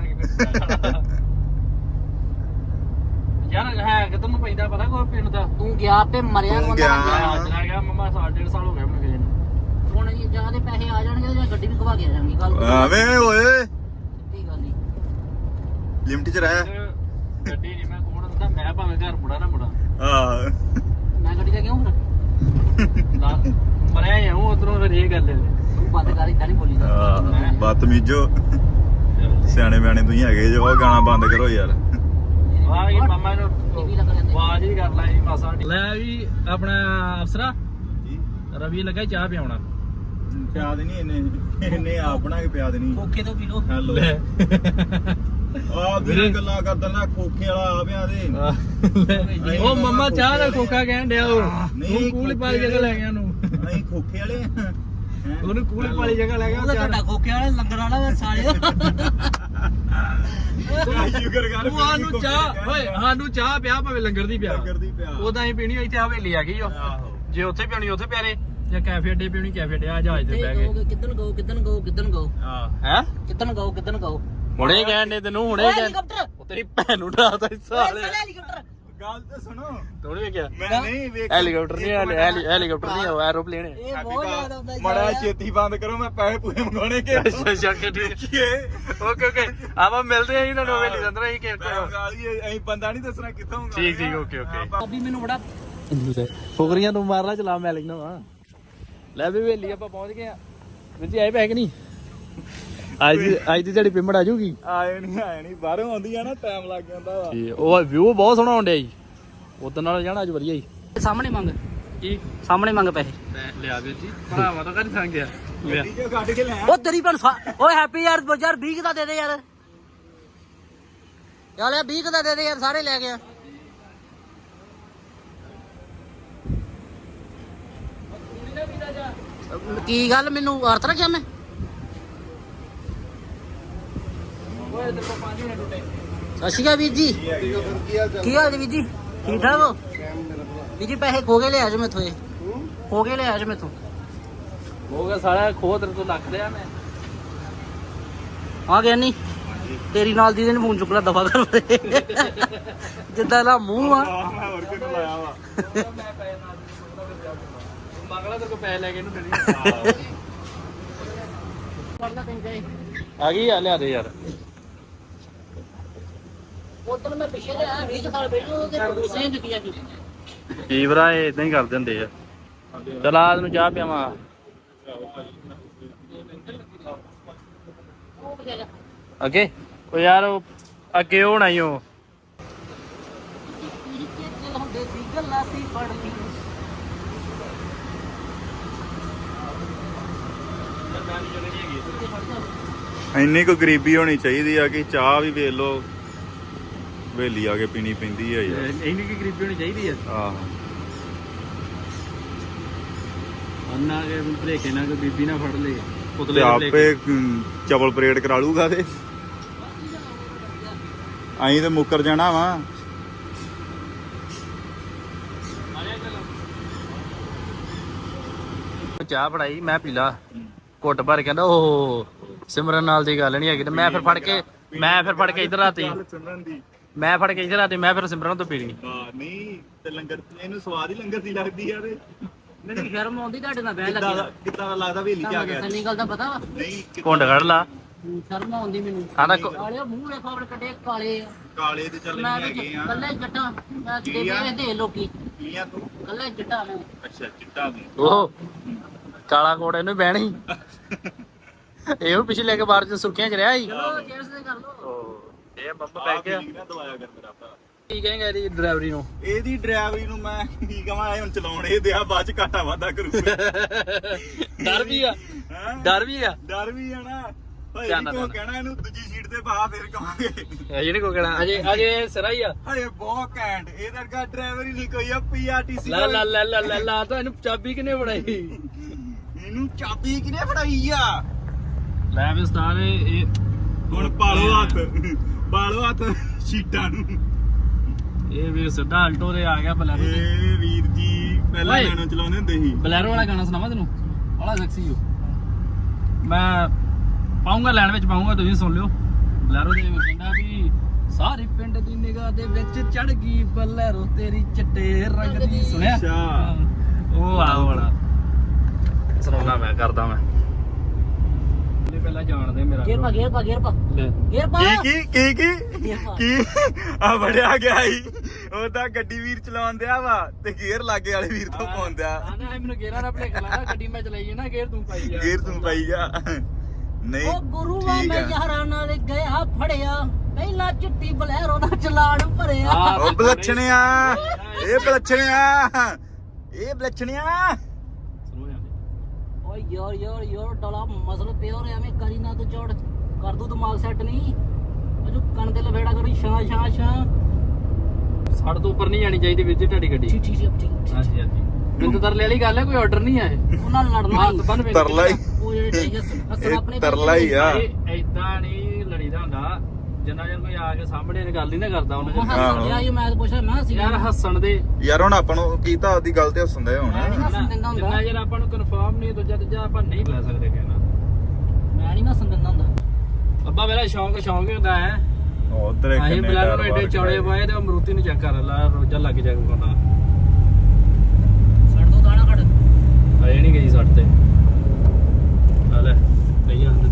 S1: ਯਾਰ ਹੈ ਕਿਤੇ ਨੂੰ ਪੈਂਦਾ ਪਤਾ ਕੋਈ ਪਿੰਡ ਦਾ
S2: ਤੂੰ ਗਿਆ ਤੇ ਮਰਿਆ
S3: ਤੂੰ
S2: ਕੋਲ
S3: ਗਿਆ।
S1: ਮੈਂ ਅੱਜ ਗਿਆ ਮਮਾ 1.5 ਸਾਲ ਹੋ ਗਏ ਮੈਨੂੰ ਗਏ ਨੂੰ
S2: ਹੁਣ ਇਹ ਜਾਂ ਦੇ ਪੈਸੇ ਆ ਜਾਣਗੇ ਜਾਂ ਗੱਡੀ ਵੀ ਘਵਾ ਕੇ ਆ ਜਾਣਗੇ ਗੱਲ
S3: ਐਵੇਂ ਓਏ
S2: ਸਿੱਧੀ ਗੱਲ ਹੀ
S3: ਲਿਮਟ ਚ ਰਹਿ
S1: ਗੱਡੀ ਨਹੀਂ ਮੈਂ ਕੋਣ ਦਿੰਦਾ ਮੈਂ ਭਾਵੇਂ ਘਰ ਮੁੜਾ ਨਾ ਮੁੜਾ
S3: ਆ
S2: ਮੈਂ ਗੱਡੀ ਤੇ ਕਿਉਂ ਫਿਰ
S1: ਮਰਿਆ ਹੂੰ ਉਧਰੋਂ ਫਿਰ ਇਹ ਗੱਲ ਹੈ
S2: ਤੂੰ ਬੰਦ ਕਰ ਇਦਾਂ ਨਹੀਂ ਬੋਲੀਦਾ
S3: ਬਦਤਮੀਜੋ ਸਿਆਣੇ ਬਿਆਣੇ ਤੁਸੀਂ ਹੈਗੇ ਜੋ ਉਹ ਗਾਣਾ ਬੰਦ ਕਰੋ ਯਾਰ
S1: ਵਾਹ ਇਹ ਮਾਮਾ ਨੂੰ
S2: ਟੀਵੀ ਲੱਗ ਜਾਂਦੇ
S1: ਆਵਾਜ਼ ਹੀ ਕਰ ਲੈ ਮਾਸਾ ਲੈ ਵੀ ਆਪਣਾ ਅਫਸਰਾ ਰਵੀ ਲੱਗਾ ਚਾਹ ਪਿਆਉਣਾ
S3: ਪਿਆ ਦੇਣੀ ਇਹਨੇ ਆਪ ਬਣਾ ਕੇ ਪਿਆ ਦੇਣੀ
S2: ਖੋਖੇ ਤੋਂ ਪੀ ਲੋ
S3: ਹੈਲੋ ਆ ਵੀਰੇ ਗੱਲਾਂ ਕਰਦਾ ਨਾ ਖੋਖੇ ਵਾਲਾ ਆ ਪਿਆ ਦੇ
S1: ਉਹ ਮੰਮਾ ਚਾਹ ਦਾ ਖੋਖਾ ਕਹਿਣ ਡਿਆ ਉਹ
S3: ਨਹੀਂ,
S1: ਕੂਲੀ ਪਾਲੀ ਜਗ੍ਹਾ ਲੈ ਗਿਆ ਉਹਨੂੰ
S3: ਅਸੀਂ ਖੋਖੇ ਵਾਲੇ ਆ
S1: ਉਹਨੂੰ ਕੂਲੀ ਪਾਲੀ ਜਗ੍ਹਾ ਲੈ ਗਿਆ
S2: ਉਹਦਾ ਤੁਹਾਡਾ ਖੋਖੇ ਵਾਲਾ ਲੰਗਰ ਵਾਲਾ ਸਾਲੇ
S3: ਸ਼ੁਕਰ ਕਰ
S1: ਤੂੰ ਸਾਨੂੰ ਚਾਹ ਓਏ ਸਾਨੂੰ ਚਾਹ ਪਿਆ ਭਾਵੇਂ ਲੰਗਰ ਦੀ ਪਿਆ
S3: ਕਰਦੀ ਪਿਆ
S1: ਉਦਾਂ ਹੀ ਪੀਣੀ ਇੱਥੇ ਹਵੇਲੀ ਆ ਗਈ ਉਹ
S3: ਆਹੋ
S1: ਜੇ ਉੱਥੇ ਪੀਣੀ ਉੱਥੇ ਪਿਆਰੇ ਜਾਂ ਕੈਫੇ ਅੱਡੇ ਪੀਣੀ ਕੈਫੇ ਅੱਡੇ ਆ ਜਹਾਜ਼ ਤੇ ਬਹਿ ਗਏ
S2: ਕਿੱਦਣ ਗੋ ਕਿੱਦਣ ਗੋ ਕਿੱਦਣ ਗੋ
S3: ਆ
S1: ਹੈ
S2: ਕਿੱਦਣ ਗੋ ਕਿੱਦਣ ਗੋ
S1: ਹੁਣੇ ਕਹਿਣ ਦੇ ਤੈਨੂੰ ਹੁਣੇ ਕਹਿਣ
S2: ਹੈਲੀਕਾਪਟਰ
S1: ਉਹ ਤੇਰੀ ਭੈਣ ਨੂੰ ਡਰਾਤਾ ਹਿੱਸਾ
S2: ਓਏ ਸਾਲੇ ਹੈਲੀਕਾਪਟਰ
S3: ਗੱਲ ਤਾਂ ਸੁਣੋ
S1: ਤੋੜ ਵੇਖਿਆ
S3: ਮੈਂ ਨਹੀਂ ਵੇਖ
S1: ਹੈਲੀਕਾਪਟਰ ਨਹੀਂ ਹੈਲੀਕਾਪਟਰ ਨਹੀਂ ਉਹ ਐਰੋਪਲੇਨ ਹੈ
S2: ਇਹ ਬਹੁਤ ਜ਼ਿਆਦਾ ਹੁੰਦਾ
S3: ਮੜਾ ਛੇਤੀ ਬੰਦ ਕਰੋ ਮੈਂ ਪੈਸੇ ਪੂਰੇ ਮੰਗਾਉਣੇ ਕਿ
S1: ਅੱਛਾ ਅੱਛਾ ਠੀਕ ਓਕੇ ਓਕੇ ਆਪਾਂ ਮਿਲਦੇ ਆਂ ਇਹਨਾਂ ਨੂੰ ਹਵੇਲੀ ਦੇ ਅੰਦਰ ਅਸੀਂ ਕਿ
S3: ਅਸੀਂ ਬੰਦਾ ਨਹੀਂ ਦੱਸਣਾ ਕਿੱਥੋਂ
S1: ਠੀਕ ਠੀਕ ਓਕੇ ਓਕੇ
S2: ਅਭੀ ਮੈਨੂੰ ਬੜਾ
S1: ਫੁਕਰੀਆਂ ਨੂੰ ਮਾਰਨਾ ਚਲਾ ਮੈਂ ਲਿਖਣਾ ਵਾ ਲੈ ਵੀ ਹਵੇਲੀ ਆਪਾਂ ਪਹੁੰਚ ਗਏ ਆ ਵੀਰ ਜੀ ਆਏ ਪੈਕ ਨਹੀਂ ਅੱਜ ਦੀ ਤੁਹਾਡੀ ਪੇਮੈਂਟ ਆ ਜਾਊਗੀ
S3: ਆਏ ਨਹੀਂ ਬਾਹਰੋਂ ਆਉਂਦੀ ਆ ਨਾ ਟਾਈਮ ਲੱਗ ਜਾਂਦਾ ਵਾ
S1: ਉਹ ਵਿਊ ਬਹੁਤ ਸੋਹਣਾ ਆਉਂਦਿਆ ਜੀ ਉਦੋਂ ਨਾਲ ਜਾਣਾ ਅੱਜ ਵਧੀਆ ਜੀ
S2: ਸਾਹਮਣੇ ਮੰਗ
S1: ਕੀ
S2: ਸਾਹਮਣੇ ਮੰਗ ਪੈਸੇ
S1: ਲਿਆ ਵੀਰ ਜੀ ਭਰਾਵਾ ਤਾਂ ਘਰ ਸੰਗ ਗਿਆ ਲਿਆ
S3: ਗੱਡੀ ਚੋਂ ਕੱਢ ਕੇ ਲੈ
S2: ਉਹ ਤੇਰੀ ਭੈਣ ਓਏ ਹੈਪੀ ਯਾਰ 20 ਦਾ ਦੇ ਦੇ ਯਾਰ ਯਾਰ 20 ਦਾ ਦੇ ਦੇ ਯਾਰ ਸਾਰੇ ਲੈ ਗਿਆ ਕੀ ਗੱਲ ਮੈਨੂੰ ਅਰਥ ਰੱਖਿਆ ਮੈਂ
S1: ਓਏ ਤੇ 5 ਮਿੰਟ ਟੁੱਟੇ
S2: ਸਤਿ ਸ਼੍ਰੀ ਅਕਾਲ ਵੀਰ ਜੀ ਕੀ ਹਾਲ ਜੀ ਵੀਰ ਜੀ ਠੀਕ ਠਾਕ ਹੋ ਵੀਰ ਜੀ ਪੈਸੇ ਖੋ ਕੇ ਲਿਆ ਜੋ ਮੈਥੋਂ ਇਹ ਖੋ ਕੇ ਲਿਆ ਜੋ ਮੈਥੋਂ
S1: ਹੋ ਗਿਆ ਸਾਰਾ ਖੋਹ ਤੇਰੇ ਤੋਂ ਲੱਖ ਲਿਆ ਮੈਂ
S2: ਆ ਗਿਆ ਨਹੀਂ ਤੇਰੀ ਨਾਲ ਦੀ ਨੇ ਫੋਨ ਚੁੱਕਣਾ ਦਫਾ ਕਰ ਜਿੱਦਾਂ ਦਾ ਮੂੰਹ ਆ
S3: ਮੈਂ ਹੋਰ ਕਿਹਨੂੰ ਲਾਇਆ ਵਾ
S1: ਮੈਂ ਪੈਸੇ ਨਾਲ ਮੰਗਲਾ ਤੇਰੇ ਕੋ ਪੈਸੇ ਲੈ ਕੇ ਇਹਨੂੰ ਦੇਣੀ ਆ ਗਈ ਆ ਲਿਆ ਦੇ ਯਾਰ
S2: ਉਦੋਂ ਮੈਂ ਪਿੱਛੇ ਲਿਆ 20 ਸਾਲ ਪਹਿਲਾਂ ਤੇ ਪ੍ਰਦੂਸ਼ਣ ਦਿੱਤੀਆਂ ਸੀ
S1: ਕੀ ਭਰਾ ਇਹ ਇਦਾਂ ਹੀ ਕਰ ਦਿੰਦੇ ਆ ਚਲ ਆ ਤੈਨੂੰ ਚਾਹ ਪਿਆਵਾਂ ਅੱਗੇ ਉਹ ਯਾਰ ਉਹ ਅੱਗੇ ਹੋਣਾ ਹੀ ਉਹ
S2: ਹੁੰਦੇ ਸੀ ਗੱਲਾਂ ਸੀ ਫੜਦੀ
S3: ਇੰਨੀ ਕੋ ਗਰੀਬੀ ਹੋਣੀ ਚਾਹੀਦੀ ਆ ਕਿ ਚਾਹ ਵੀ ਵੇਖ ਲੋ ਵੇਲੀ ਆ ਕੇ ਪੀਣੀ ਪੈਂਦੀ ਆ ਯਾਰ
S1: ਇੰਨੀ ਕੀ ਗਰੀਬੀ ਹੋਣੀ ਚਾਹੀਦੀ ਆ
S3: ਆਹੋ
S1: ਅੰਨਾ ਕੇ ਭਲੇਖੇ ਨਾਲ ਕੋਈ ਬੀਬੀ ਨਾ ਫੜ ਲੇ
S3: ਤੇ
S1: ਪੁਤਲੇ
S3: ਆਪੇ ਚਵਲ ਪਰੇਡ ਕਰਾ ਲੂਗਾ ਤੇ ਅਸੀਂ ਤੇ ਮੁੱਕਰ ਜਾਣਾ ਵਾ।
S1: ਚਾਹ ਫੜਾਈ ਮੈਂ ਪੀ ਲਾ ਘੁੱਟ ਭਰ ਕਹਿੰਦਾ ਉਹ ਸਿਮਰਨ ਨਾਲ ਦੀ ਗੱਲ ਨਹੀਂ ਹੈਗੀ ਤੇ ਮੈਂ ਫਿਰ ਫੜ ਕੇ ਇੱਧਰ ਆਤੀ ਮੈਂ ਫਿਰ ਸਿਮਰਨ ਤੋਂ ਪੀ ਲਈ।
S3: ਨਹੀਂ ਤੇ ਲੰਗਰ ਇਹਨੂੰ ਸਵਾਦ ਹੀ ਲੰਗਰ ਦੀ ਲੱਗਦੀ ਆ ਤੇ
S2: ਮੈਨੂੰ ਸ਼ਰਮ ਆਉਂਦੀ ਤੁਹਾਡੇ ਨਾਲ ਬਹਿ ਲੱਗੀ
S3: ਕਿੱਦਾਂ ਦਾ ਲੱਗਦਾ ਵੇਲੀ ਚ ਆ ਗਿਆ
S2: ਸਨੀ ਗੱਲ ਦਾ ਪਤਾ ਵਾ
S3: ਨਹੀਂ
S1: ਘੁੰਡ ਕੱਢ ਲਾ
S2: ਸ਼ਰਮ ਆਉਂਦੀ ਮੈਨੂੰ
S1: ਆਂਦਾ
S2: ਕਾਲੇ ਮੂੰਹ ਵੇਖੋ ਆਪਣੇ ਕੱਟੇ ਕਾਲੇ ਆ
S3: ਕਾਲੇ ਤੇ ਚੱਲ
S2: ਮੈਂ
S3: ਨਹੀਂ ਹੈਗੇ ਆ
S2: ਕੱਲੇ ਜੱਟਾਂ ਮੈਂ ਕਿਤੇ ਦੇ ਲੋਕੀ
S3: ਕੀਆਂ ਤੂੰ
S2: ਕੱਲੇ ਜੱਟਾਂ ਮੈਂ
S3: ਅੱਛਾ ਚਿੱਟਾ ਤੂੰ
S1: ਉਹ ਕਾਲਾ ਕੋਟ ਇਹਨੂੰ ਬਹਿਣੀ ਇਹੋ ਪਿਛਲੇ ਕੇ ਬਾਰ ਚ ਸੁਰਖੀਆਂ ਚ ਰਿਹਾ ਸੀ
S2: ਚਲੋ ਚੇਅਰਸ ਤੇ ਕਰ ਲੋ
S1: ਇਹ ਬੰਬ ਪੈ ਗਿਆ
S3: ਦਵਾਇਆ ਕਰ ਮੇਰਾ ਭਰਾ
S1: ਕੀ ਕਹੇਗਾ ਇਹਦੀ ਡਰਾਈਵਰੀ ਨੂੰ
S3: ਇਹਦੀ ਡਰਾਈਵਰੀ ਨੂੰ ਮੈਂ ਕੀ ਕਹਾਂ ਇਹ ਹੁਣ ਚਲਾਉਣ ਇਹ ਦਿਆ ਬਾਅਦ ਚ ਘਾਟਾ ਵਾਧਾ ਕਰੂਗਾ
S1: ਡਰ ਵੀ ਆ
S3: ਹੈਂ?
S1: ਡਰ ਵੀ ਆ
S3: ਡਰ ਵੀ ਆ ਨਾ ਹਏ
S1: ਧਿਆਨ
S3: ਨੀ
S1: ਨਾਲ
S3: ਕੋ ਕਹਿਣਾ ਇਹਨੂੰ ਦੂਜੀ ਸੀਟ ਤੇ ਪਾ ਫਿਰ ਕਹਾਂਗੇ
S1: ਅਜੇ ਨਹੀਂ ਕੋ ਕਹਿਣਾ ਅਜੇ ਸਿਰਾ ਹੀ ਆ
S3: ਹਏ ਬਹੁਤ ਘੈਂਟ ਇਹਦਾ ਕਾ ਡਰਾਈਵਰ ਹੀ ਨਹੀਂ ਕੋਈ ਆ ਪੀਆਰਟੀਸੀ
S1: ਲਾ ਲਾ ਲਾ ਲਾ ਲਾ ਲਾ ਤਾਂ ਇਹਨੂੰ ਚਾਬੀ ਕਿਨੇ ਫੜਾਈ
S3: ਇਹਨੂੰ ਚਾਬੀ ਕਿਨੇ ਫੜਾਈ ਆ
S1: ਲੈ ਵੀ ਉਸਤਾਦ ਇਹ
S3: ਹੁਣ ਪਾਲੋ ਹੱਥ ਸੀਟਾਂ ਨੂੰ
S1: ਇਹ ਵੀ ਸਿੱਧਾ ਆਲਟੋ ਦੇ ਆ ਗਿਆ ਬਲੈਰੋ ਤੇ
S3: ਏ ਵੀਰ ਜੀ ਪਹਿਲਾਂ
S1: ਓਏ।
S3: ਮੈਨੂੰ ਚਲਾਉਂਦੇ ਹੁੰਦੇ ਸੀ
S1: ਬਲੈਰੋ ਵਾਲਾ ਗਾਣਾ ਸੁਣਾਵਾਂ ਤੈਨੂੰ ਬੜਾ ਸੈਕਸੀ ਹੋ ਮੈਂ ਪਾਉਂਗਾ ਲੈਣ ਵਿੱਚ ਪਾਉਂਗਾ ਤੁਸੀਂ ਸੁਣ ਲਿਓ ਬਲੈਰੋ ਦੇ ਵਿੱਚ ਕਹਿੰਦਾ ਵੀ ਸਾਰੇ ਪਿੰਡ ਦੀ ਨਿਗਾਹ ਦੇ ਵਿੱਚ ਚੜ ਗਈ ਬਲੈਰੋ ਤੇਰੀ ਚਿੱਟੇ ਰੰਗ ਦੀ ਸੁਣਿਆ
S3: ਅੱਛਾ
S1: ਉਹ ਆ ਵਾਲਾ ਸੁਣਾਉਣਾ ਮੈਂ ਕਰਦਾ ਮੈਂ ਇਹ ਪਹਿਲਾਂ ਜਾਣਦੇ ਮੇਰਾ
S2: ਗੇਰ ਪਾ
S3: ਕੀ ਆ ਬੜਿਆ ਗਿਆ ਸੀ ਉਹ ਤਾਂ ਗੱਡੀ ਵੀਰ ਚਲਾਉਣ ਦਿਆ ਵਾ ਤੇ ਗੇਅਰ ਲਾਗੇ ਵਾਲੇ ਵੀਰ ਤੋਂ ਪਾਉਂਦਿਆ
S1: ਆਂਦਾ ਮੈਨੂੰ ਗੇਰਾਂ ਦਾ ਭਲੇਖਾ ਲੱਗਾ ਗੱਡੀ ਮੈਂ ਚਲਾਈ ਨਾ ਗੇਰ ਤੂੰ ਪਾਈ ਜਾ
S3: ਗੇਅਰ ਤੂੰ ਪਾਈ ਜਾ ਨਹੀਂ
S2: ਉਹ ਗੁਰੂਆ
S3: ਠੀਕ
S2: ਮੈਂ
S3: ਆ।
S2: ਯਾਰਾਂ ਨਾਲ ਗਿਆ ਫੜਿਆ ਪਹਿਲਾਂ ਚਿੱਟੀ ਬਲੈਰੋ ਦਾ ਚਲਾਣ ਭਰਿਆ
S3: ਉਹ ਬਲਛਣਿਆ ਇਹ ਬਲਛਣਿਆ
S1: ਸੁਣੋ ਜਾਂਦੇ
S2: ਓ ਯਾਰ ਡਲਾ ਮਸਲ ਪਿਓਰ ਐਵੇਂ ਕਰੀ ਨਾ ਤੂੰ ਚੋੜ ਕਰ ਦੂ ਦਿਮਾਗ ਸੈੱਟ ਨਹੀਂ ਅਜੂ ਕੰਨ ਦੇ ਲਵੇੜਾ ਕਰੀ ਛਾਂ
S1: ਸਾਡੇ ਤੋਂ ਉੱਪਰ ਨਹੀਂ ਜਾਣੀ ਚਾਹੀਦੀ ਵੀਰ ਜੀ ਤੁਹਾਡੀ ਗੱਡੀ
S2: ਠੀਕ
S1: ਹਾਂਜੀ ਹਾਂਜੀ ਮੈਨੂੰ ਤਰਲੇ ਵਾਲੀ ਗੱਲ ਹੈ ਕੋਈ ਆਰਡਰ ਨਹੀਂ ਆਏ
S2: ਉਹਨਾਂ ਨਾਲ ਲੜਨਾ
S1: ਹੱਥ ਬੰਨ ਵੇਖ
S3: ਤਰਲਾ ਹੀ
S2: ਉਹ ਜਿਹੜੇ ਹੱਸਣ ਆਪਣੇ
S3: ਤਰਲਾ ਹੀ ਆ
S1: ਏਦਾਂ ਨਹੀਂ ਲੜੀਦਾ ਹੁੰਦਾ ਜਿੰਨਾ ਚਿਰ ਕੋਈ ਆ ਕੇ ਸਾਹਮਣੇ ਇਹ ਗੱਲ ਹੀ ਨਾ ਕਰਦਾ ਉਹਨਾਂ
S2: ਮੈਂ ਹੱਸਣ ਡਿਆ ਸੀ, ਮੈਂ ਤਾਂ ਪੁੱਛਿਆ ਮੈਂ ਹੱਸੀ
S1: ਯਾਰ ਹੱਸਣ ਦੇ
S3: ਯਾਰ ਹੁਣ ਆਪਾਂ ਨੂੰ ਕੀਤਾ ਉਹਦੀ ਗੱਲ ਤੇ ਹੱਸਣ ਦੇ ਹੁਣ
S2: ਹੱਸਣ ਦਿੰਦਾ ਹੁੰਦਾ
S1: ਜਿੰਨਾ ਚਿਰ ਆਪਾਂ ਨੂੰ ਕਨਫਰਮ ਨਹੀਂ ਦੂਜਾ ਤੀਜਾ ਆਪਾਂ ਨਹੀਂ ਲੈ ਸਕਦੇ ਕਹਿਣਾ
S2: ਮੈਂ ਨਹੀਂ ਹੱਸਣ ਦਿੰਦਾ ਹੁੰਦਾ
S1: ਅੱਬਾ ਮੇਰਾ ਸ਼ੌਂਕ ਹੀ ਹੁੰਦਾ ਹੈ
S3: ਉਧਰ ਇੱਕ
S1: ਅਸੀਂ ਬਲੈਰੋ ਨੂੰ ਏਡੇ ਚੌੜੇ ਪਾਏ ਤੇ ਉਹ ਮਰੂਤੀ ਨੂੰ ਚੈੱਕ ਕਰ ਲਾ ਰੋਜਾ ਲੱਗ ਜਾਏਗਾ ਬੰਦਾ
S2: ਛੱਡ ਦੋ ਦਾਣਾ ਕੱਢ
S1: ਅਜੇ ਨਹੀਂ ਗਈ ਸੱਟ ਤੇ ਆ ਲੈ ਨਹੀਂ ਆਂਦਾ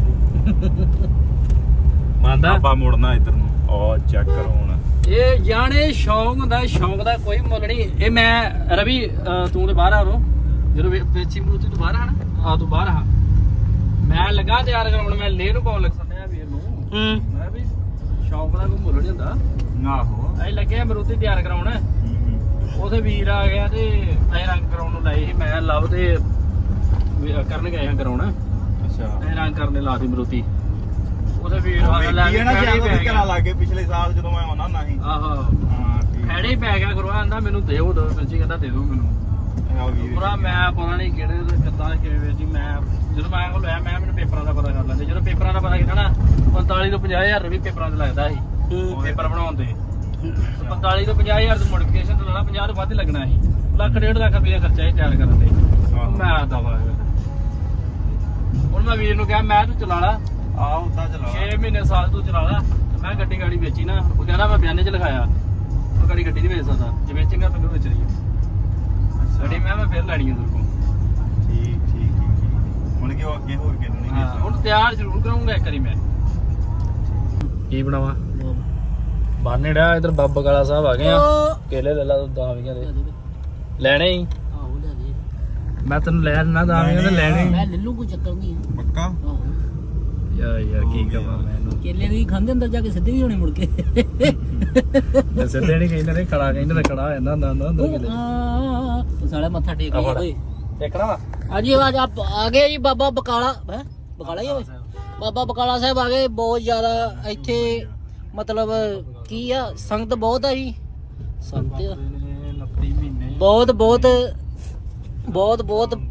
S1: ਮੰਨਦਾ
S3: ਆਪਾਂ ਮੁੜਨਾ ਇੱਧਰ ਨੂੰ ਉਹ ਚੈੱਕ ਕਰੋ ਹੁਣ
S1: ਇਹ ਜਾਣੇ ਸ਼ੌਂਕ ਹੁੰਦਾ ਸ਼ੌਂਕ ਦਾ ਕੋਈ ਮੁੱਲ ਨਹੀਂ ਇਹ ਮੈਂ ਰਵੀ ਤੂੰ ਤੇ ਬਾਹਰ ਆ ਰੋ ਜਦੋਂ ਵੇਚੀ ਮਰੂਤੀ ਤੂੰ ਬਾਹਰ ਆ ਨਾ ਆ ਤੂੰ ਬਾਹਰ ਆ ਮੈਂ ਲੱਗਾ ਤਿਆਰ ਕਰਾਉਣ ਮੈਂ ਲੇ ਨੂੰ ਪਾਉਣ ਲੱਗ ਸੰਨਿਆ ਵੀਰ ਨੂੰ ਮੈਂ ਵੀ ਸ਼ੌਂਕ ਦਾ ਕੋਈ ਮੁੱਲ ਨਹੀਂ ਹੁੰਦਾ
S3: ਆਹੋ
S1: ਅਸੀਂ ਲੱਗੇ ਆ ਮਰੂਤੀ ਤਿਆਰ ਕਰਾਉਣ ਉਥੇ ਵੀਰ ਆ ਗਿਆ ਤੇ ਅਸੀਂ ਰੰਗ ਕਰਾਉਣ ਨੂੰ ਲਾਏ ਸੀ ਮੈਂ ਲਵ ਤੇ ਕਰਨ ਗਏ ਹਾਂ ਕਰਾਉਣ
S3: ਅੱਛਾ
S1: ਅਸੀਂ ਰੰਗ ਕਰਨ ਲਾਤੀ ਮਰੂਤੀ ਉਹਦੇ ਵੀਰ ਆ ਲੈ
S3: ਵੇਖੀ ਹੈ ਨਾ
S1: ਖੈੜੇ ਹੀ
S3: ਜਦੋਂ
S1: ਪੈ
S3: ਵੀ
S1: ਗਿਆ
S3: ਘਰਾਂ ਲਾਗੇ ਪਿਛਲੇ ਸਾਲ ਜਦੋਂ ਮੈਂ ਆਉਣਾ ਹੁੰਦਾ ਸੀ
S1: ਆਹੋ
S3: ਹਾਂ ਠੀਕ
S1: ਖੈੜੇ ਹੀ ਪੈ ਗਿਆ ਗੁਰੂਆ ਆਂਦਾ ਮੈਨੂੰ ਦਿਓ ਦੋ ਜੀ ਕਹਿੰਦਾ ਦੇ ਦਿਓ ਮੈਨੂੰ
S3: ਆ ਵੀਰ
S1: ਪੂਰਾ ਮੈਂ ਪਤਾ ਨਹੀਂ ਕਿਹੜੇ ਕਿੱਦਾਂ ਕਿਵੇਂ ਜੀ ਮੈਂ ਜਦੋਂ ਮੈਂ ਕੋਲ ਲਿਆ ਮੈਂ ਮੈਨੂੰ ਪੇਪਰਾਂ ਦਾ ਪਤਾ ਕਰ ਲੈਂਦੇ ਜਦੋਂ ਪੇਪਰਾਂ ਦਾ ਪਤਾ ਕੀਤਾ ਨਾ 45 ਤੋਂ 50000 ਵੀ ਪੇਪਰਾਂ ਤੇ ਲੱਗਦਾ ਸੀ ਪੇਪਰ ਬਣਾਉਣ ਦੇ 45 ਤੋਂ 50000 ਦੀ ਮੋਡੀਫਿਕੇਸ਼ਨ ਤੋਂ ਲੈਣਾ 50 ਤੋਂ ਵੱਧ ਹੀ ਲੱਗਣਾ ਸੀ ਲੱਖ 1.5 ਲੱਖ ਰੁਪਏ ਖਰਚਾ ਹੀ ਤਿਆਰ ਕਰਨ ਤੇ ਮੈਂ ਦਵਾ ਹੁਣ ਮੈਂ ਵੀਰ ਨੂੰ ਕਿਹਾ ਮੈਂ ਤੂੰ ਚਲਾ ਲਾ
S3: ਆ ਹੁੰਦਾ ਚਲਾ
S1: 6 ਮਹੀਨੇ ਸਾਲ ਤੂੰ ਚਲਾ ਲਾ ਤੇ ਮੈਂ ਗੱਡੀ ਗਾੜੀ ਵੇਚੀ ਨਾ ਉਹ ਕਹਿੰਦਾ ਮੈਂ ਬਿਆਨੇ 'ਚ ਲਿਖਾਇਆ ਉਹ ਗੱਡੀ ਨਹੀਂ ਵੇਚ ਸਕਦਾ ਜੇ ਵੇਚੇਗਾ ਮੈਨੂੰ ਵੇਚ ਰਹੀ ਹੈ ਗੱਡੀ ਮੈਂ ਫਿਰ ਲੈਣੀ ਹੈ ਤੇਰੇ ਕੋਲ
S3: ਠੀਕ ਹੁਣ ਕਿ ਉਹ ਅੱਗੇ ਹੋਰ ਕਿਹਨੂੰ ਨਹੀਂ
S1: ਹਾਂ ਹੁਣ ਤਿਆਰ ਜ਼ਰੂਰ ਕਰਾਂਗਾ ਇੱਕ ਵਾਰੀ ਮੈਂ ਕੀ ਬਣਾਵਾ ਬਾਨੇ ਡਾ ਇਧਰ ਬਾਬਾ ਕਾਲਾ ਸਾਹਿਬ ਆ ਗਏ ਆ ਕੇਲੇ ਲੈ ਲਾ 10 ਵੀਆਂ ਦੇ ਲੈਣੇ ਹੀ
S2: ਆਹੋ ਲੈ ਦੇ
S1: ਮੈਂ ਤੈਨੂੰ ਲੈ ਨਾ 10 ਵੀਆਂ ਦੇ ਲੈਣੇ
S2: ਮੈਂ ਲੈ ਲੂ ਕੋਈ ਚੱਕਰ ਨਹੀਂ ਹੈ
S3: ਪੱਕਾ
S2: ਆਹੋ
S1: ਯਾਰ ਕੀ ਕਹਾਂ ਮੈਨੂੰ
S2: ਕੇਲੇ ਵੀ ਖਾਂਦੇ ਅੰਦਰ ਜਾ ਕੇ ਸਿੱਧੇ ਵੀ ਹੋਣੇ ਮੁੜ ਕੇ
S1: ਤੇ ਸਿੱਧੇ ਨਹੀਂ ਕਹਿੰਦੇ ਨੇ ਖੜਾ ਕਹਿੰਦੇ ਨੇ ਖੜਾ ਹੋ ਜਾਂਦਾ ਹੁੰਦਾ ਅੰਦਰ ਕਿਤੇ
S2: ਉਹ ਸਾਲੇ ਮੱਥਾ ਟੇਕ ਗਿਆ ਓਏ
S1: ਦੇਖਣਾ ਵਾ
S2: ਹਾਂਜੀ ਆਵਾਜ਼ ਆ ਗਏ ਜੀ ਬਾਬਾ ਬਕਾਲਾ ਹੈ ਬਕਾਲਾ ਹੀ ਹੋਵੇ ਬਾਬਾ ਬਕਾਲਾ ਸਾਹਿਬ ਆ ਗਏ ਬਹੁਤ ਜ਼ਿਆਦਾ ਇੱਥੇ ਮਤਲਬ ਕੀ ਆ ਸੰਗਤ ਬਹੁਤ ਆ ਜੀ ਸੰਗਤ
S1: 29 ਮਹੀਨੇ
S2: ਬਹੁਤ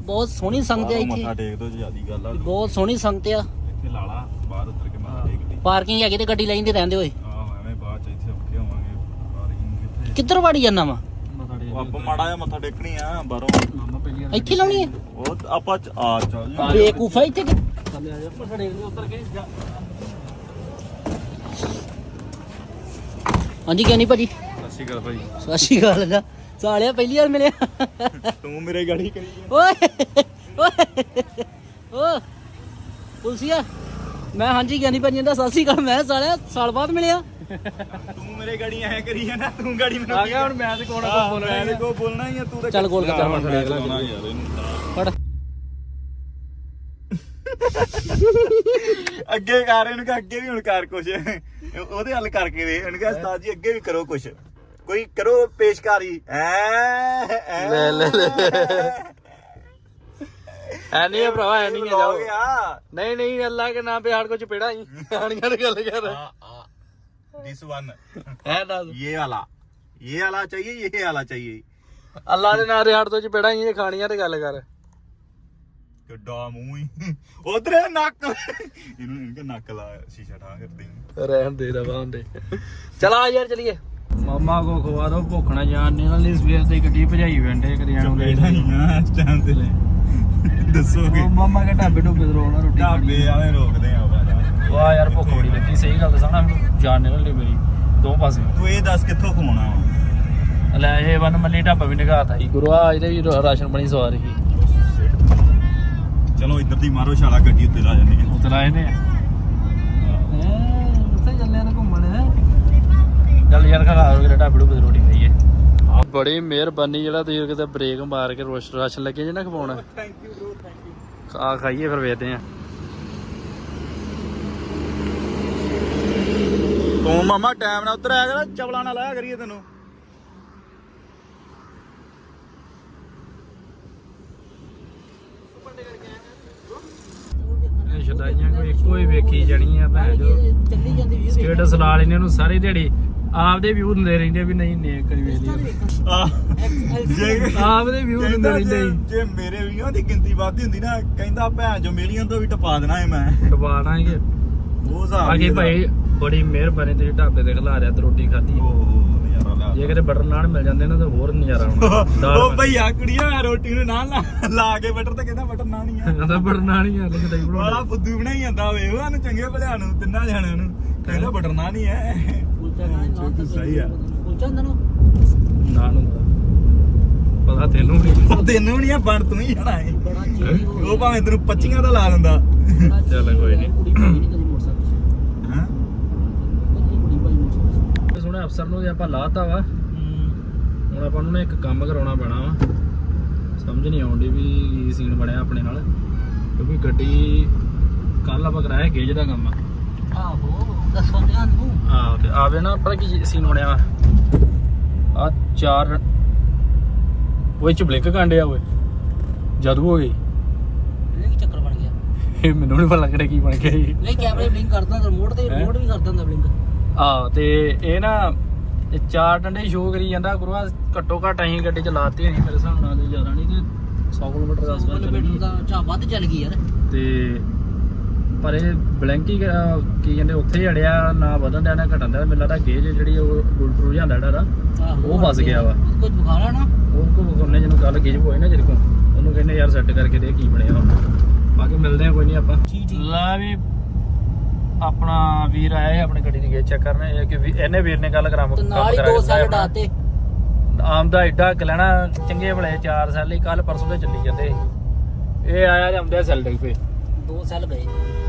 S2: ਬਹੁਤ ਸੋਹਣੀ ਸੰਗਤ ਆ
S3: ਮੱਥਾ
S2: ਇੱਥੇ,
S3: ਟੇਕ ਦੋ ਜਿਆਦੀ ਗੱਲ ਆ
S2: ਬਹੁਤ ਸੋਹਣੀ ਸੰਗਤ ਆ।
S3: ਇੱਥੇ ਲਾ ਲਾ ਬਾਹਰ ਉੱਤਰ ਕੇ ਮੱਥਾ ਟੇਕ ਲਈ।
S2: ਪਾਰਕਿੰਗ ਹੈਗੀ ਤੇ ਗੱਡੀ ਲੈਂਦੇ ਰਹਿੰਦੇ ਹੋਏ।
S3: ਆਹ ਐਵੇਂ ਬਾਅਦ ਚ ਇੱਥੇ ਔਖੇ ਹੋਵਾਂਗੇ। ਪਾਰਕਿੰਗ ਕਿੱਥੇ?
S2: ਕਿੱਧਰ ਵੜੀ ਜਾਂਦਾ ਵਾ?
S3: ਉਹ ਆਪਾਂ ਮਾੜਾ ਜਿਹਾ ਮੱਥਾ ਟੇਕਣੀ ਆ ਬਾਹਰੋਂ।
S2: ਇੱਥੇ ਲਾਉਣੀ ਹੈ
S3: ਉਹ ਆਪਾਂ ਆ ਚੱਲ ਜਾ।
S2: ਬੇਕੂਫਾ ਇੱਥੇ
S1: ਥੱਲੇ ਆ ਜਾ ਮੱਥਾ ਟੇਕ ਲਈ ਉੱਤਰ ਕੇ ਜਾ।
S2: ਹਾਂਜੀ ਗਿਆਨੀ ਭਾਜੀ,
S3: ਸਤਿ ਸ਼੍ਰੀ ਅਕਾਲ ਭਾਈ।
S2: ਸਤਿ ਸ਼੍ਰੀ ਅਕਾਲ ਦਾ ਸਾਲਿਆ ਪਹਿਲੀ ਵਾਰ ਮਿਲਿਆ।
S3: ਤੂੰ ਮੇਰੇ ਗਾੜੀ ਕਰੀ
S2: ਓਏ ਓਏ ਓ ਪੁਲਸੀਆ, ਮੈਂ ਹਾਂਜੀ ਗਿਆਨੀ ਭਾਜੀ ਦਾ ਸਤਿ ਸ਼੍ਰੀ ਅਕਾਲ। ਮੈਂ ਸਾਲਿਆ ਸਾਲ ਬਾਅਦ ਮਿਲਿਆ।
S3: ਤੂੰ ਮੇਰੇ ਗਾੜੀ ਐ ਕਰੀ ਜਾਂਦਾ। ਤੂੰ ਗਾੜੀ ਮੈਨੂੰ
S1: ਆ ਗਿਆ ਹੁਣ ਮੈਂ ਤੇ ਕੋਣ ਬੋਲਣਾ
S3: ਮੈਂ ਕੋ ਬੋਲਣਾ ਹੀ ਆ। ਤੂੰ ਤਾਂ
S2: ਚੱਲ ਗੋਲ ਕਰ
S1: ਮੱਥਾ ਟੇਕ ਲੈ।
S3: ਯਾਰ ਇਹਨੂੰ
S2: ਫੜ
S3: ਅੱਗੇ ਕਰ ਇਹਨੂੰ ਕਿ ਅੱਗੇ ਵੀ ਹੁਣ ਕਰ ਕੁਛ ਉਹਦੇ ਹੱਲ ਕਰਕੇ ਵੇ ਇਹਨੂੰ ਕਿ ਉਸਤਾਦ ਜੀ ਅੱਗੇ ਵੀ ਕਰੋ ਕੁਛ, ਕੋਈ ਕਰੋ ਪੇਸ਼ਕਾਰੀ।
S1: ਲੈ ਲੈ ਐ ਨਹੀਂ ਭਰਾਵਾ ਐ ਨਹੀਂ
S3: ਹੋ
S1: ਜਾਓ।
S3: ਗਿਆ
S1: ਨਹੀਂ ਨਹੀਂ ਅੱਲਾ ਕੇ ਨਾਮ पे हाड़ को चपेड़ा ही आनियां ने गल कर
S3: दिस वन
S1: है दस
S3: ये वाला चाहिए, ये वाला चाहिए।
S1: अल्लाह दे नाम दे हाड़ तो चपेड़ा ही खानियां ते गल कर
S3: ਕਿੱਡਾ ਮੂੰਹ ਹੀ ਉਧਰ ਨੱਕ ਇਹਨੂੰ ਇਨਕੇ ਨੱਕ ਲਾ ਸ਼ੀਸ਼ਾ ਠਾ ਕਰਦੀ।
S1: रहन दे दबा दे चला यार चलिए मामा को खवा दो भुखना जान नहीं ना सवेर ते गड्डी भजाई वेंडे करियाणों ले
S3: ਇਸ ਟਾਈਮ ਤੇ ਦੱਸੋਗੇ
S1: मामा के ढाबे ढोबे रोल ना रोटी
S3: ਢਾਬੇ ਆਵੇਂ ਰੋਕਦੇ ਆ ਬਾਜਾ।
S1: वाह यार भुख बड़ी लगी सही गल दसां ना जान निकल ली मेरी दो पासे
S3: ਤੂੰ ਇਹ ਦੱਸ ਕਿੱਥੋਂ ਖਵਾਉਣਾ ਵਾ?
S1: ਲੈ ਇਹ ਵਨ ਮੱਲੀ ਢਾਬਾ ਵੀ ਨਿਗਾਹਤਾ ਸੀ ਗੁਰੂਆ ਇਹਦੇ ਵੀ ਰਾਸ਼ਨ ਬਣੀ ਸਵਾਰ ਸੀ
S3: ਚਲੋ ਇੱਧਰ ਦੀ ਮਾਰੋ ਛਾਲਾ ਗੱਡੀ ਉੱਤੇ ਲਾ ਜਾਂਦੇ ਆ।
S1: ਉਤਰ ਆਏ ਨੇ ਉੱਥੇ ਚੱਲੇ ਨੇ ਘੁੰਮਣ ਚੱਲ ਯਾਰ ਖਾ ਕੇ ਢਾਬੇ ਢੂਬੇ ਦੀ ਰੋਟੀ ਖਾਈਏ। ਬੜੀ ਮਿਹਰਬਾਨੀ ਜਿਹੜਾ ਤੁਸੀਂ ਕਿਤੇ ਬ੍ਰੇਕ ਮਾਰ ਕੇ ਰਾਸ਼ਨ ਲੱਗੇ ਜੇ ਨਾ ਖਵਾਉਣਾ।
S3: Thank you bro, thank you.
S1: ਆ ਖਾਈਏ ਫਿਰ ਵੇਖਦੇ ਆ।
S3: ਤੂੰ ਮਾਮਾ ਟਾਈਮ ਨਾਲ ਉੱਤਰ ਆਇਆ ਕਰ, ਚਵਲਾ ਨਾਲ ਲਾਇਆ ਕਰੀਏ ਤੈਨੂੰ।
S1: ਇਹ ਛਦਾਈਆਂ ਕੋਈ ਇੱਕੋ ਹੀ ਵੇਖੀ ਜਾਣੀ ਆ ਭੈਣ ਜੋ
S2: ਚੱਲੀ ਜਾਂਦੀ ਵੀ
S1: ਸਟੇਟਸ ਲਾ ਲੈਣੇ ਉਹਨੂੰ ਸਾਰੀ ਦਿਹਾੜੀ ਆਪਦੇ ਵਿਊ ਹੁੰਦੇ ਰਹਿੰਦੇ ਵੀ ਨਹੀਂ ਨੇਕ ਕਰੀ ਵੇਲੀ ਆਪਦੇ ਵਿਊ ਹੁੰਦੇ ਰਹਿੰਦੇ
S3: ਜੇ ਮੇਰੇ ਵੀਆਂ ਦੀ ਗਿਣਤੀ ਵੱਧਦੀ ਹੁੰਦੀ ਨਾ, ਕਹਿੰਦਾ ਭੈਣ ਜੋ ਮਿਲੀਅਨ ਤੋਂ ਵੀ ਟਪਾ ਦੇਣਾ ਏ ਮੈਂ।
S1: ਟਪਾ ਦਾਂਗੇ
S3: ਉਹ ਹਿਸਾਬ
S1: ਬਾਕੀ ਭਾਈ ਬੜੀ ਮਿਹਰਬਾਨੀ ਤੇਰੀ ਢਾਬੇ ਤੇ ਖਿਲਾ ਰਿਆ ਤੇ ਰੋਟੀ ਖਾਧੀ।
S3: ਨਜ਼ਾਰਾ ਲਾ
S1: ਜੇ ਕਿਤੇ ਬਟਰ ਨਾਨ ਮਿਲ ਜਾਂਦੇ ਨਾ ਤਾਂ ਹੋਰ ਨਜ਼ਾਰਾ ਆਉਣਾ।
S3: ਉਹ ਭਈਆ ਕੁੜੀਆਂ ਰੋਟੀ ਨੂੰ ਨਾਲ ਲਾ ਕੇ ਬਟਰ ਤੇ ਕਹਿੰਦਾ ਬਟਰ ਨਾਨ ਹੀ ਆ।
S1: ਕਹਿੰਦਾ ਬਟਰ ਨਾਨ ਹੀ ਆ ਲੈ ਕਿਤੇ
S3: ਵਾਲਾ ਫੁੱਦੂ ਬਣਾਈ ਜਾਂਦਾ ਵੇ ਉਹਨੂੰ ਚੰਗੇ ਭਲਿਆਂ ਨੂੰ ਤਿੰਨਾਂ ਜਣਿਆਂ ਨੂੰ ਕਹਿੰਦਾ ਬਟਰ ਨਾਨ ਹੀ ਹੈ। ਸਹੀ ਆ।
S2: ਕੁਲਚਾ ਹੁੰਦਾ ਨਾ
S1: ਨਾਨ ਹੁੰਦਾ ਪਤਾ ਤੈਨੂੰ ਨਹੀਂ
S3: ਤੈਨੂੰ ਨਹੀਂ ਆ ਬਣ ਤੂੰ ਹੀ ਜਾਣਾ ਏ।
S2: ਬੜਾ ਚੀਜ਼
S3: ਉਹ ਭਾਵੇਂ ਤੈਨੂੰ 25 ਦਾ ਲਾ ਦਿੰਦਾ।
S1: ਚੱਲ ਕੋਈ ਨਹੀਂ।
S2: ਕੁੜੀ ਭਾਈ ਨਹੀਂ ਕਦੀ ਮੋਟਰਸਾਈਕਲ
S3: ਹਾਂ
S2: ਕੁੜੀ ਭਾਈ ਮੋਟਰਸਾਈਕਲ
S1: ਸੁਣੇ ਅਫਸਰ ਨੂੰ ਜੇ ਆਪਾਂ ਲਾਤਾ ਵਾ ਹੁਣ ਆਪਾਂ ਨੂੰ ਨਾ ਇੱਕ ਕੰਮ ਕਰਾਉਣਾ ਪੈਣਾ ਵਾ। ਸਮਝ ਨਹੀਂ ਆਉਂਦੀ ਵੀ ਕੀ ਸੀਨ ਬਣਿਆ ਆਪਣੇ ਨਾਲ, ਕਿਉਂਕਿ ਗੱਡੀ ਕੱਲ ਆਪਾਂ ਕਰਾਇਆ ਗੇਜ ਦਾ ਕੰਮ।
S2: ਆਹੋ ਦੱਸੋ ਧਿਆਨ ਨੂੰ
S1: ਆਹ ਤੇ ਆਵੇ ਨਾ ਪਤਾ ਕੀ ਸੀਨ ਬਣਿਆ ਵਾ। ਆ ਚਾਰ ਉਹ ਚ ਬਲਿੰਕ ਕਾਂਡੇ ਆ ਓਏ ਜਾਦੂ ਹੋ ਗਈ।
S2: ਇਹ ਕੀ ਚੱਕਰ ਬਣ ਗਿਆ?
S1: ਇਹ ਮੈਨੂੰ ਨਹੀਂ ਪਤਾ ਲੱਗਦਾ ਕੀ ਬਣ ਗਿਆ ਜੀ।
S2: ਨਹੀਂ ਕੈਮਰੇ ਬਲਿੰਕ ਕਰਦਾ ਤਾਂ ਰਿਮੋਟ ਤੇ ਰਿਮੋਟ ਵੀ ਕਰਦਾ ਹੁੰਦਾ ਬਲਿੰਕ।
S1: ਆ ਤੇ ਇਹ ਨਾ ਇਹ ਚਾਰ ਡੰਡੇ ਸ਼ੋਅ ਕਰੀ ਜਾਂਦਾ ਗੁਰੂਆ। ਘੱਟੋ ਘੱਟ ਅਸੀਂ ਗੱਡੀ ਚਲਾਤੀ ਨਹੀਂ ਮੇਰੇ ਹਿਸਾਬ ਨਾਲ, ਤੇ ਜ਼ਿਆਦਾ ਨਹੀਂ ਤੇ 100 ਕਿਲੋਮੀਟਰ ਦਾ ਸਫ਼ਰ ਚੱਲੀ
S2: ਦਾ ਚਾ ਵੱਧ ਚੱਲ ਗਈ ਯਾਰ।
S1: ਤੇ ਪਰ ਇਹ ਬਲਿੰਕ ਹੀ ਕੀ ਕਹਿੰਦੇ ਉੱਥੇ ਹੀ ਅੜਿਆ ਨਾ ਵਧਣ ਦਿਆ ਨਾ ਘਟਣ ਦਿਆ। ਮੈਨੂੰ ਲੱਗਦਾ ਗੇਜ ਜਿਹੜੀ ਉਹ ਗੁਲਟਰੂ ਜਾਂਦਾ ਜਿਹੜਾ ਉਹ ਫਸ ਗਿਆ ਵਾ।
S2: ਕੁਝ ਬੁਖਾਰਾ ਨਾ
S1: ਉਹ ਕੋ ਉਹਨੇ ਜਿਹਨੂੰ ਕੱਲ ਗੇਜ ਹੋਏ ਨਾ ਜਿਹਦੇ ਕੋ ਉਹਨੂੰ ਕਹਿੰਦੇ ਯਾਰ ਸੈੱਟ ਕਰਕੇ ਦੇ ਕੀ ਬਣਿਆ ਹੁਣ। ਬਾਕੀ ਮਿਲਦੇ ਆ ਕੋਈ ਨਹੀਂ ਆਪਾਂ। ਲਾ ਵੀ ਆਪਣਾ ਵੀਰ ਆਇਆ ਸੀ ਆਪਣੀ ਗੱਡੀ ਦੀ ਗੇਜ ਚੈੱਕ ਕਰਨ। ਇਹ ਕਿ ਇਹਨੇ ਵੀਰ ਨੇ ਕੱਲ
S2: ਤੇ ਨਾਲ ਹੀ 2 ਸਾਲ ਡਾਤੇ
S1: ਆਮ ਦਾ ਐਡਾ ਲੈਣਾ ਚੰਗੇ ਭਲੇ 4 ਸਾਲ ਹੀ ਕੱਲ ਪਰਸੋਂ ਦੇ ਚੱਲੀ ਜਾਂਦੇ। ਇਹ ਆਇਆ ਜਾਂਦੇ ਸੈਲ ਡਿੱਗ ਪਏ
S2: 2 ਸਾਲ ਗਏ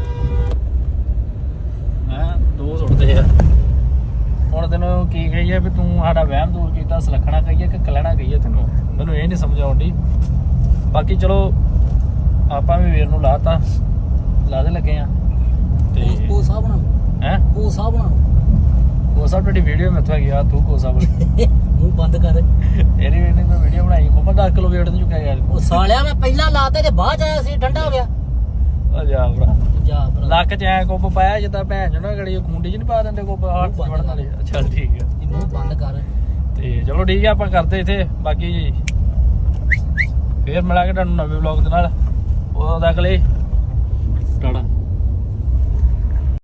S1: ਹੈ 2 ਸੁੱਟਦੇ ਆ। ਹੁਣ ਤੈਨੂੰ ਕੀ ਕਹੀਏ ਵੀ ਤੂੰ ਸਾਡਾ ਵਹਿਮ ਦੂਰ ਕੀਤਾ, ਸਲੱਖਣਾ ਕਹੀਏ ਕਿ ਕਲਣਾ ਕਹੀਏ, ਤੈਨੂੰ ਮੈਨੂੰ ਇਹ ਨਹੀਂ ਸਮਝ ਆਉਂਦੀ। ਬਾਕੀ ਚਲੋ ਆਪਾਂ ਵੀ ਵੀਰ ਨੂੰ ਲਾਤਾ ਲਾਦੇ ਲੱਗੇ ਆ ਤੇ
S2: ਕੋ ਸਾਹਿਬ ਨਾ
S1: ਹੈ
S2: ਕੋ ਸਾਹਿਬ ਨਾ
S1: ਉਹ ਸਭ ਤੁਹਾਡੀ ਵੀਡੀਓ ਮੈਂ ਉੱਥੇ ਗਿਆ ਤੂੰ ਕੋਸਾ ਬੋਲ
S2: ਮੂੰਹ ਬੰਦ ਕਰ।
S1: ਇਹਦੀ ਵੀ ਮੈਂ ਵੀਡੀਓ ਬਣਾਈ ਕੋਮਾ 10 ਕਿਲੋ ਵੇਟ ਨੂੰ ਚੁੱਕਿਆ ਯਾਰ।
S2: ਉਹ ਸਾਲਿਆ ਮੈਂ ਪਹਿਲਾਂ ਲਾਤੇ ਤੇ ਬਾਅਦ ਚ ਆਇਆ ਸੀ ਠੰਡਾ ਹੋ ਗਿਆ।
S1: ਆ ਜਾ ਭਰਾ
S2: ਜਾ ਭਰਾ
S1: ਲੱਕ ਚ ਐ ਕੁੱਪ ਪਾਇਆ ਜਿੱਦਾਂ ਭੈਣ ਚੋਂ ਨਾ ਗੜੀ ਖੁੰਡੀ ਚ ਨਹੀਂ ਪਾ ਦਿੰਦੇ ਕੁੱਪ ਹੱਥ ਚ ਵੜਨ ਵਾਲੇ। ਚੱਲ ਠੀਕ ਆ
S2: ਇਹ ਮੂੰਹ ਬੰਦ ਕਰ।
S1: ਤੇ ਚਲੋ ਠੀਕ ਆ ਆਪਾਂ ਕਰਦੇ ਇੱਥੇ ਬਾਕੀ ਫੇਰ ਮਿਲਾਂਗੇ ਤੁਹਾਨੂੰ ਨਵੇਂ ਵਲੌਗ ਦੇ ਨਾਲ। ਉਦੋਂ ਤੱਕ ਲਈ